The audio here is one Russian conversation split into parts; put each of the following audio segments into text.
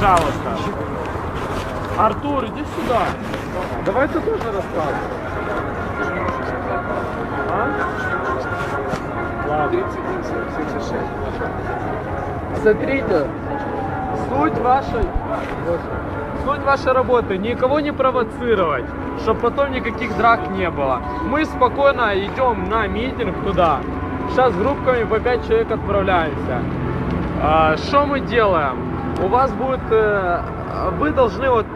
Пожалуйста. Артур, иди сюда. Давай ты тоже рассказывай. А? Ладно. Смотрите, суть вашей работы никого не провоцировать, чтобы потом никаких драк не было. Мы спокойно идем на митинг туда. Сейчас группками по 5 человек отправляемся. Что мы делаем? У вас будет, вы должны вот,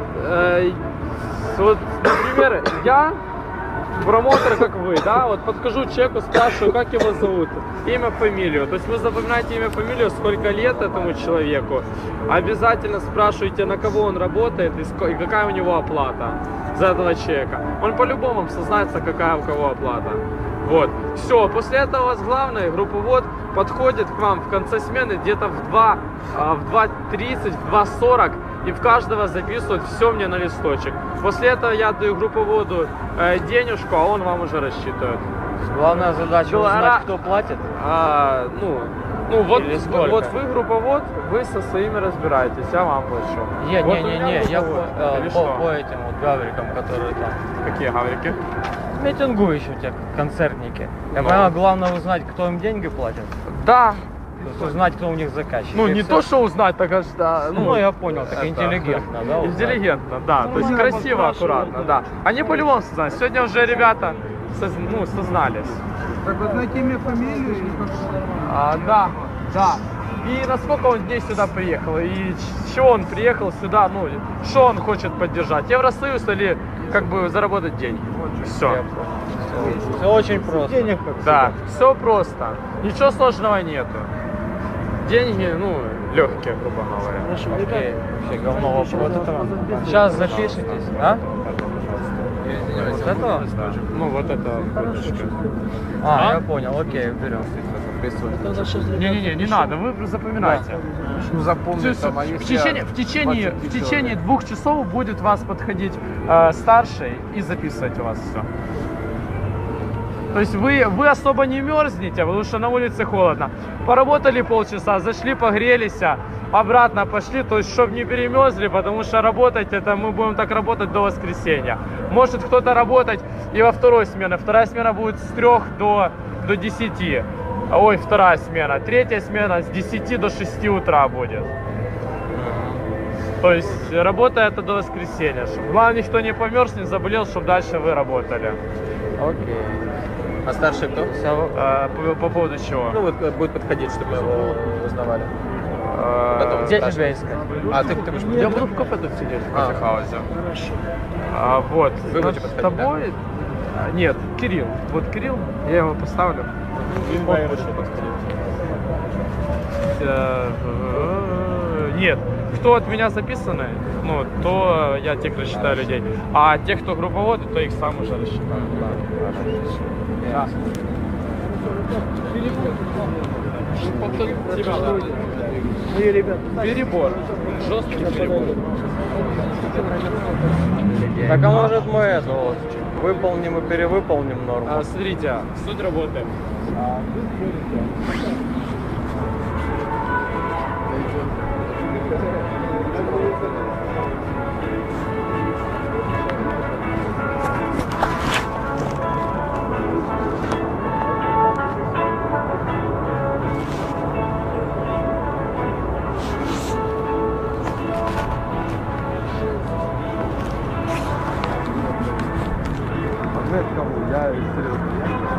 например, я промоутер, как вы, да, вот подхожу к человеку, спрашиваю, как его зовут, имя, фамилию. То есть вы запоминаете имя, фамилию, сколько лет этому человеку. Обязательно спрашиваете, на кого он работает и какая у него оплата за этого человека. Он по-любому сознается, какая у кого оплата. Вот. Все, после этого у вас главное, групповод подходит к вам в конце смены где-то в 2:30, в 2:40 и в каждого записывают все мне на листочек. После этого я даю групповоду денежку, а он вам уже рассчитывает. Главная задача узнать, кто платит. Вот вы групповод, вы со своими разбираетесь, я вам плачу. Я по этим вот гаврикам, которые там. Какие гаврики? Митингующие концертники. Я понимаю, главное узнать, кто им деньги платит. Да. То есть узнать, кто у них заказчик. Ну, не то, что узнать, так аж, да. Ну, я понял, так интеллигентно, да? Интеллигентно, да. То есть красиво, аккуратно, да. Они по-любому сознались. Сегодня уже ребята сознались. Так вот найти имя, фамилию или как? Да. И насколько он дней сюда приехал, и чего он приехал сюда, ну, что он хочет поддержать. Евросоюз или как бы заработать деньги. Все. Все очень просто. Денег как Да, все просто. Ничего сложного нету. Деньги, легкие, грубо говоря. Окей, вообще говно вопрос. Сейчас запишитесь, а? Вот этого? Вот это выдержка. Я понял, окей, берем. Не надо, вы запоминайте. Ну запомни там, а В течение 2 часов будет вас подходить старший и записывать у вас все. То есть вы особо не мерзнете, потому что на улице холодно. Поработали полчаса, зашли, погрелись, обратно пошли, то есть чтобы не перемерзли, потому что работать это мы будем так работать до воскресенья. Может кто-то работать и во второй смене. Вторая смена будет с 3 до 10. Ой, вторая смена. Третья смена с 10 до 6 утра будет. То есть работа это до воскресенья. Чтобы, главное, никто не померз, не заболел, чтобы дальше вы работали. Окей. А старший кто? По поводу чего? Ну вот будет подходить, чтобы его узнавали. Где тебя искать? Ты будешь Я буду в кафе тут сидеть, в кофехаузе. Вот. Вы будете С подходить, тобой? Нет, Кирилл. Вот Кирилл, я его поставлю. Нет, кто от меня записаны, то я тех рассчитаю людей. А тех, кто групповоды, то их сам уже рассчитаю. Да. Перебор. Жесткий перебор. Так а может мы это вот выполним и перевыполним норму? Смотрите, суть работы. Кому? Я серьезно.